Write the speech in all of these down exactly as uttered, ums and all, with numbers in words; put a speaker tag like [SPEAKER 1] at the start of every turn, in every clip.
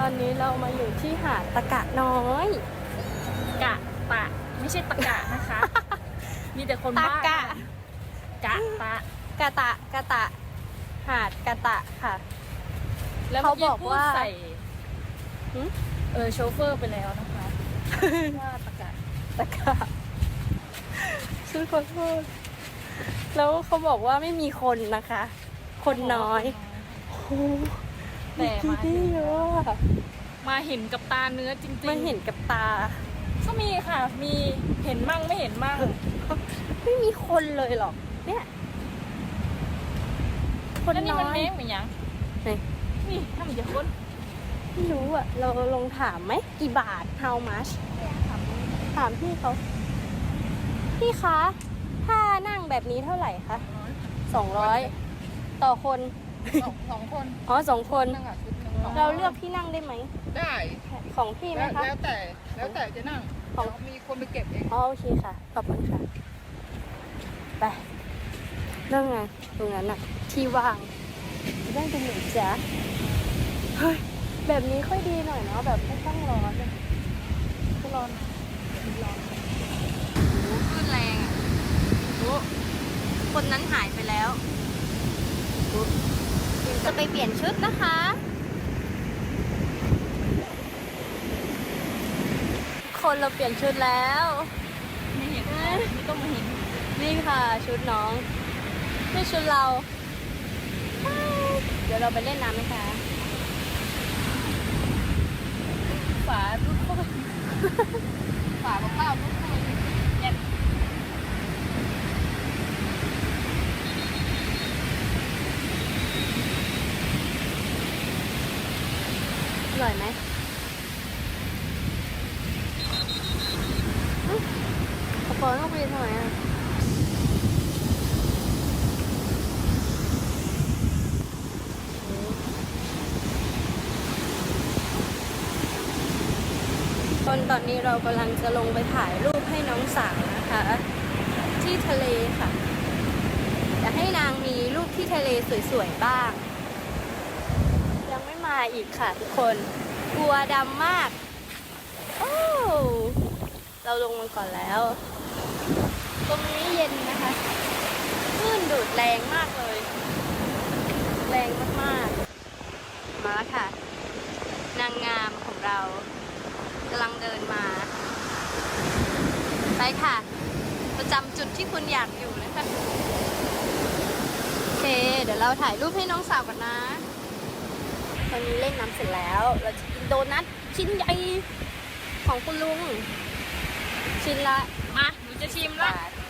[SPEAKER 1] ตอนนี้เรามาอยู่ที่หาดตะกะน้อย
[SPEAKER 2] กะตะไม่ใช่ตะกะนะคะ มีแต่คน
[SPEAKER 1] ตะ
[SPEAKER 2] บ้าก
[SPEAKER 1] ะ
[SPEAKER 2] กะตะ
[SPEAKER 1] กะตะกะตะ หาดกะตะค่ะ
[SPEAKER 2] แล้ว
[SPEAKER 1] เขา
[SPEAKER 2] เมื่อ
[SPEAKER 1] บอก
[SPEAKER 2] กี้พูด
[SPEAKER 1] ว่า
[SPEAKER 2] ใส่
[SPEAKER 1] หึ
[SPEAKER 2] เออโชเฟอร์ไปแล้วนะคะ ว่าตะกะ
[SPEAKER 1] ตะกะฉันขอโทษแล้วเขาบอกว่าไม่มีคนนะคะ คนน้อยโอ้โห
[SPEAKER 2] แต่มา
[SPEAKER 1] ได้เยอะอะ
[SPEAKER 2] มาเห็นกับตาเนื้อจริงๆ
[SPEAKER 1] ไม่เห็นกับตา
[SPEAKER 2] ก็มีค่ะ มีเห็นมั่งไม่เห็นมั่ง
[SPEAKER 1] ไม่มีคนเลยหรอก เนี่ย คน
[SPEAKER 2] แล้วนี่
[SPEAKER 1] น้
[SPEAKER 2] มัน
[SPEAKER 1] อย
[SPEAKER 2] แม่งเหมือนยัง
[SPEAKER 1] ไหน
[SPEAKER 2] นี่ถ้ามันจะคน
[SPEAKER 1] ไม่รู้อ่ะ เราลองถามไหมกี่บาท how much ถามพี่เขา พี่คะ ถ้านั่งแบบนี้เท่าไหร่คะสองร้อยต่อคน
[SPEAKER 3] สองสองคน
[SPEAKER 1] อ๋อสองคน
[SPEAKER 3] นั่งอ่ะชุดหนึ่ง
[SPEAKER 1] เราเลือกที่นั่งได้ไหม
[SPEAKER 3] ได้
[SPEAKER 1] ของพี่ไหม
[SPEAKER 3] แล้ว
[SPEAKER 1] คะ
[SPEAKER 3] แล้วแต่แล้วแต่จะนั่ง
[SPEAKER 1] ของ
[SPEAKER 3] เรามีคนไปเก็บเอง
[SPEAKER 1] อ๋อโอเคค่ะ ขอบคุณค่ะ ไปเรื่องไงตรงนั้นอะที่ว่างได้ตรงไหนจ๊ะเฮ้ย แบบนี้ค่อยดีหน่อยเนาะ แบบไม่ต้องร้อนอะไม่ร้อนนะร้อนคลื่นแรงอะโอ้คนนั้นหายไปแล้วจะไปเปลี่ยนชุดนะคะ คนเราเปลี่ยนชุดแล้ว
[SPEAKER 2] ไม่เห็นไม่ต้องมาเห็น
[SPEAKER 1] นี่ค่ะชุดน้องนี่ชุดเรา เดี๋ยวเราไปเล่นน้ำไหมคะ
[SPEAKER 2] ฝาลูกโป่ง
[SPEAKER 3] ฝาของข้าวลูกคนเนี่ย
[SPEAKER 1] อร่อยไหมอื้อขอปอนต้องไปทำไมอ่ะตอนตอนนี้เรากำลังจะลงไปถ่ายรูปให้น้องสาวนะคะ ที่ทะเลค่ะอยากให้นางมีรูปที่ทะเลสวยๆบ้าง ยังไม่มาอีกค่ะทุกคนกลัวดำมาก โอ้เราลงมาก่อนแล้ว ตรงนี้เย็นนะคะคลื่นดูดแรงมากเลย แรงมากๆ มาแล้วค่ะ นางงามของเรากำลังเดินมา ไปค่ะ ประจำจุดที่คุณอยากอยู่นะคะโอเค เดี๋ยวเราถ่ายรูปให้น้องสาวก่อนนะ ตอนนี้เล่นน้ำเสร็จแล้ว เราจะกินโดนัทชิ้นใหญ่ของคุณลุง ชิ้นละ
[SPEAKER 2] มาหนูจะชิมละ
[SPEAKER 1] บาท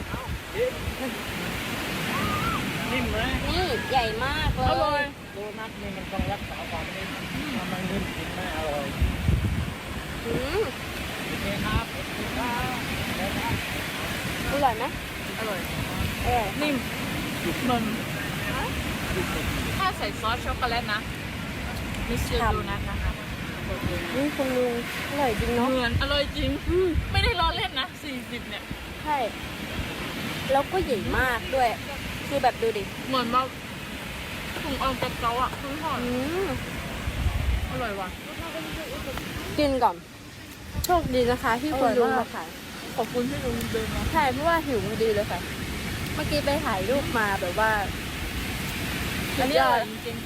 [SPEAKER 4] นิ่มไหม
[SPEAKER 1] นี่ใหญ่มากเล
[SPEAKER 2] อร่อย
[SPEAKER 1] ย
[SPEAKER 4] โดนัทนี่มันต้องรักษาความนิ่มถ้ามันนิ่มกินไม่อร่อย
[SPEAKER 1] อืม
[SPEAKER 4] โอเคครับโอเคครับแล้วครับ
[SPEAKER 1] อร่อยไหม
[SPEAKER 2] อร่อย
[SPEAKER 1] เออ
[SPEAKER 2] นิ่มมันถ้าใส่ซอสช็อกโกแลตนะมิสเตอร์ดูนัทนะคะ
[SPEAKER 1] นี่คุณลุงอร่อยจริงเนาะ
[SPEAKER 2] เหมือนอร่อยจริง
[SPEAKER 1] อืม
[SPEAKER 2] ไม่ได้ล้อเล่นนะสี่สิบเนี่ย
[SPEAKER 1] ใช่ แล้วก็ใหญ่มากด้วย คือแบบดูดิ
[SPEAKER 2] เหมือนแบบถุงออมกับเกาอ่ะคือหอม
[SPEAKER 1] อืม
[SPEAKER 2] อร่อยว่ะ
[SPEAKER 1] กินก่อน โชคดีนะคะ ที่คุณลุงมาขาย
[SPEAKER 2] ขอบคุณที่ลุงเดินมา
[SPEAKER 1] ใช่เพราะว่าหิวพอดีเลยค่ะ เมื่อกี้ไปถ่ายรูปมาแบบว่า
[SPEAKER 2] อันนี้อร่อยจริง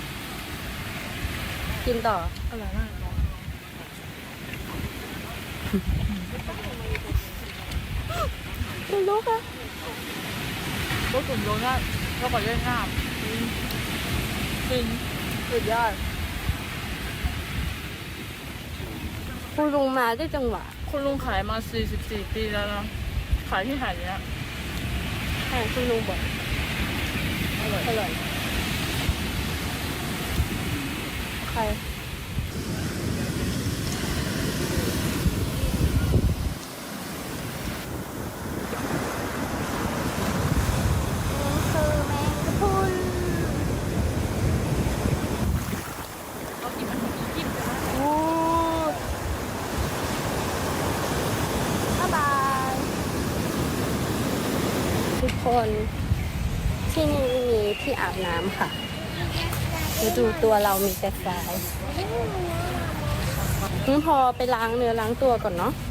[SPEAKER 1] กินต่อ
[SPEAKER 2] ๆอร่อยมาก
[SPEAKER 1] คุณลุงค่ะ
[SPEAKER 2] รสถุงโดนัทแล้วก็เล่นน้ำจริง
[SPEAKER 1] สุดยอด คุณลุงมาได้จังหวะ
[SPEAKER 2] คุณลุงขายมาสี่สิบสี่ปีแล้วนะขายที่หาดเนี้ย
[SPEAKER 1] ใช่คุณลุงบอก
[SPEAKER 2] อร่อย
[SPEAKER 1] อร่อยใครนี่คือแมงกะพรุน
[SPEAKER 2] เขากินมันมีกินกันนะ
[SPEAKER 1] โอ้บ๊ายบาย ทุกคนที่นี่มีที่อาบน้ำค่ะดูตัวเรามีแต่ทรายงั้นพอไปล้างเนื้อล้างตัวก่อนเนาะ
[SPEAKER 3] ไ